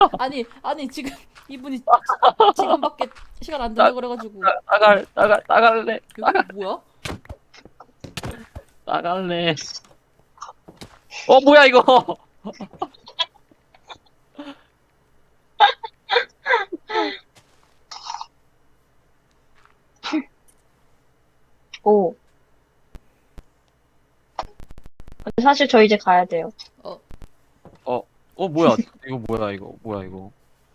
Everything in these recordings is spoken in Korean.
아니 지금 이분이 지금밖에 시간 안 된다 그래가지고 나갈래. 여기 뭐야? 나갈래. 뭐야, 이거. 오. 근데 사실 저 이제 가야 돼요. 뭐야. 뭐야, 이거.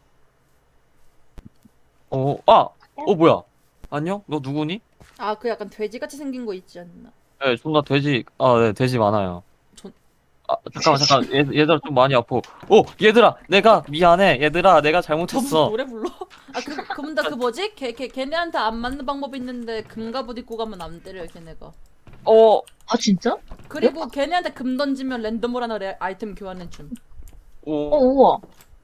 뭐야. 안녕? 너 누구니? 아 그 약간 돼지같이 생긴 거 있지 않나? 네, 존나 돼지, 네, 돼지 많아요. 전 잠깐. 얘들아, 좀 많이 아파. 얘들아, 내가 미안해. 얘들아, 내가 점수 잘못했어. 노래 불러? 아 그분다 그 뭐지? 걔네한테 안 맞는 방법이 있는데 금갑옷 입고 가면 안 때려요 걔네가. 아, 진짜? 그리고 걔네한테 금 던지면 랜덤으로 하나 아이템 교환해 줌. 우와.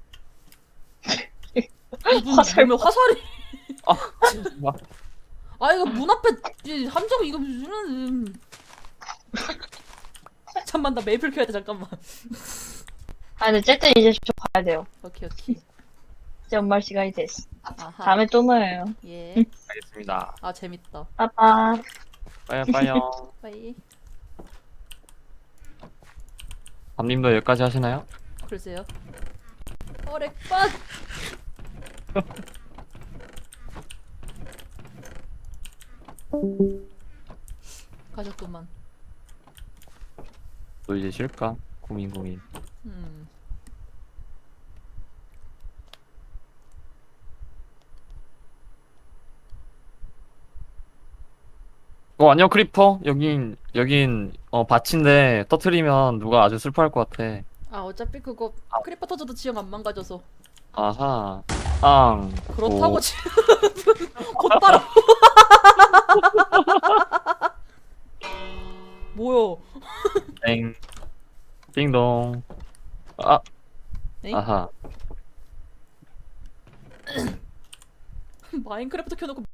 이분 화살. 몸에 화살이. 정말. 아 이거 문 앞에 함정 이거 무슨 잠만 나 메이플 켜야 돼 잠깐만. 아, 근데 어쨌든 이제 저 가야 돼요. 오케이. 이제 연말 시간이 됐어. 아하. 다음에 또 모여요. 예. 알겠습니다. 아 재밌다. 빠빠. 빠이요. 빠이. 밤님도 여기까지 하시나요? 글쎄요. 어렉빠. 가셨구만. 또 이제 쉴까? 고민. 음. 안녕, 크리퍼. 여긴, 밭인데, 터트리면 누가 아주 슬퍼할 것 같아. 아 어차피 그거 크리퍼 터져도 지형 안 망가져서. 아하. 그렇다고 지금 곧바로. 뭐야? 땡. 띵동. 아, 엥? 아하. 마인크래프트 켜놓고